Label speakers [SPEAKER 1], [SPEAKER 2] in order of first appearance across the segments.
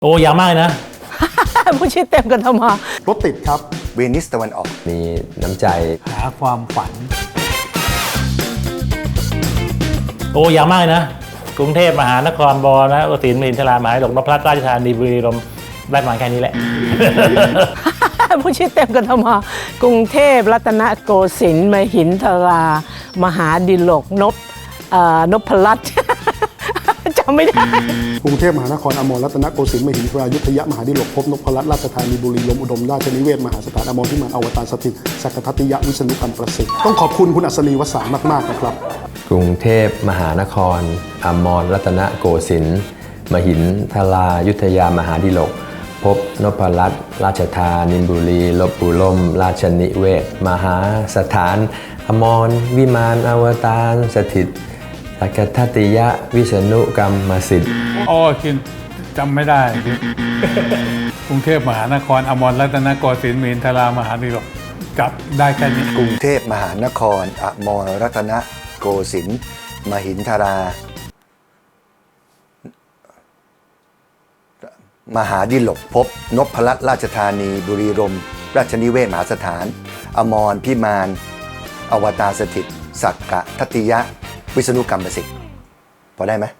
[SPEAKER 1] โอ้ยาวมากเลยนะ
[SPEAKER 2] ผู้ชื่อเต็มกันทำไม
[SPEAKER 3] รถติดครับ
[SPEAKER 4] เวนิสตะวันออก
[SPEAKER 5] มีน้ำใจ
[SPEAKER 6] หาความฝัน
[SPEAKER 1] โอ้ยาวมากเลยนะกรุงเทพมหานครบนะโอศิลป์มหินทรามหาวิทยาลัยนพรัตน์ราชธานีบุรีรัมย์ได้ประมาณแค่นี้แหละ
[SPEAKER 2] ผู้ชื่อเต็มกันทำไมกรุงเทพรัตนโกสินทร์มหินทรามหาดิลกนพรัตน์ จำไม่ได้
[SPEAKER 3] กรุงเทพมหานครอมรรัตนโกสินทร์มหินทรายุทธยมหาดิลกภพนพรัตน์ราชธานีบุรีรัมย์อุดมราชนิเวศมหาสถานอมรพิมานอวตารสถิตสักทัตติยวิษณุกรรมประสิทธิ์ต้องขอบคุณคุณอัศนีวสามากๆนะครับ
[SPEAKER 5] กรุงเทพมหานครอมรรัตนโกสินทร์มหินทรายุทธยามหาดิลกภพนพรัตน์ราชธานีบุรีลบบุรมราชนิเวศมหาสถานอมรวิมานอวตารสถิตสักทัตติยวิษณุกรรมสิทธิ์
[SPEAKER 6] คิดจำไม่ได้กรุงเทพมหานครอมรรัตนโกสินทร์มหินทรามหาดิลกจับได้แค่นี้
[SPEAKER 4] กรุงเทพมหานครอมรรัตนโกสินทร์มหินทรามหาดิลกภพนพรัตน์ราชธานีบุรีรัมย์ราชนิเวศมหาสถานอมรพิมานอวตารสถิตสักกะทัตติยะวิษณุกรรมประสิทธิ์พอได้ไหม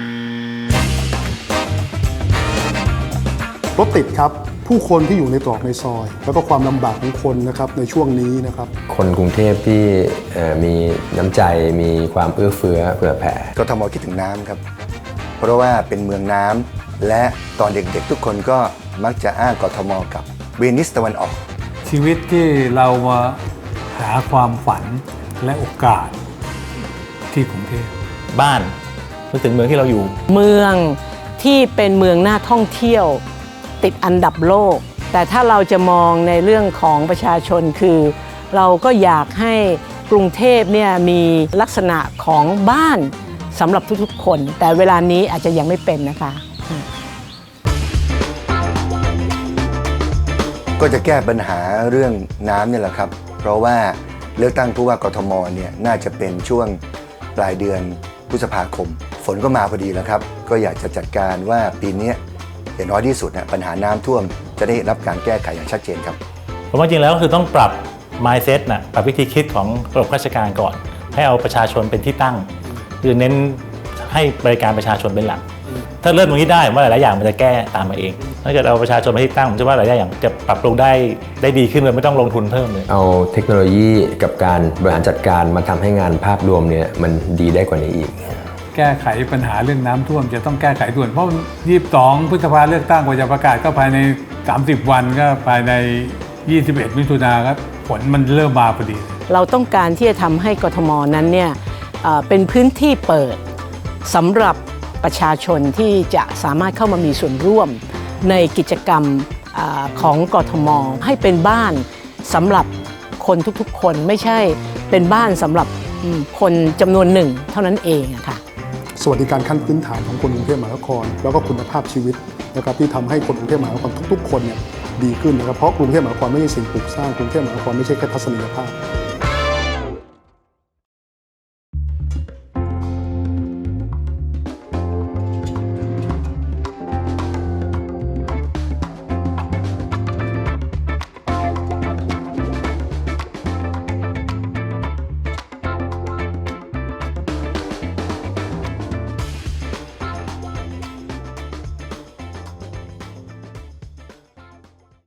[SPEAKER 3] รถติดครับผู้คนที่อยู่ในตรอกในซอยแล้วก็ความลำบากของคนนะครับในช่วงนี้นะครับ
[SPEAKER 5] คนกรุงเทพที่มีน้ำใจมีความเอื้อเฟื้อเผื่อแผ่
[SPEAKER 4] กทมคิดถึงน้ำครับเพราะว่าเป็นเมืองน้ำและตอนเด็กๆทุกคนก็มักจะอ้างกทมกับเวนิสตะวันออก
[SPEAKER 6] ชีวิตที่เรามาหาความฝันและโอกาสที่กรุงเทพ
[SPEAKER 1] บ้านนึกถึงเมืองที่เราอยู่
[SPEAKER 2] เมืองที่เป็นเมืองน่าท่องเที่ยวติดอันดับโลกแต่ถ้าเราจะมองในเรื่องของประชาชนคือเราก็อยากให้กรุงเทพเนี่ยมีลักษณะของบ้านสำหรับทุกๆคนแต่เวลานี้อาจจะยังไม่เป็นนะคะ
[SPEAKER 4] ก็จะแก้ปัญหาเรื่องน้ำเนี่ยแหละครับเพราะว่าเลือกตั้งผู้ว่ากทมเนี่ยน่าจะเป็นช่วงปลายเดือนพฤษภาคมฝนก็มาพอดีแล้วครับก็อยากจะจัดการว่าปีนี้อย่างน้อยที่สุดนะปัญหาน้ำท่วมจะได้รับการแก้ไขอย่างชัดเจนครับ
[SPEAKER 1] ผมว่าจริงแล้วก็คือต้องปรับ mindset นะปรับวิธีคิดของระบบราชการก่อนให้เอาประชาชนเป็นที่ตั้งคือเน้นให้บริการประชาชนเป็นหลักถ้าเริ่มตรงนี้ได้ผมว่าหลายๆอย่างมันจะแก้ตามมาเองถ้าเกิดเอาประชาชนเป็นที่ตั้งผมเชื่อว่าหลายๆอย่างจะปรับปรุงได้ดีขึ้นเลยไม่ต้องลงทุนเพิ่มเลย
[SPEAKER 5] เอาเทคโนโลยีกับการบริหารจัดการมาทำให้งานภาพรวมเนี่ยมันดีได้กว่านี้อีก
[SPEAKER 6] แก้ไขปัญหาเรื่องน้ำท่วมจะต้องแก้ไขด่วนเพราะ22 พฤษภาเลือกตั้งกว่าจะประกาศก็ภายใน30 วันก็ภายใน21 มิถุนายนครับฝนมันเริ่มมาพอดี
[SPEAKER 2] เราต้องการที่จะทำให้กทมนั้นเนี่ยเป็นพื้นที่เปิดสำหรับประชาชนที่จะสามารถเข้ามามีส่วนร่วมในกิจกรรมของกทมให้เป็นบ้านสำหรับคนทุกๆคนไม่ใช่เป็นบ้านสำหรับคนจำนวนหนึ่งเท่านั้นเองค่ะ
[SPEAKER 3] สวัสดิการขั้นพื้นฐานของคนกรุงเทพมหานครแล้วก็คุณภาพชีวิตนะครับที่ทำให้คนกรุงเทพมหานครทุกๆคนเนี่ยดีขึ้นนะครับเพราะกรุงเทพมหานครไม่ใช่สิ่งปลูกสร้างกรุงเทพมหานครไม่ใช่แค่ทัศนียภาพ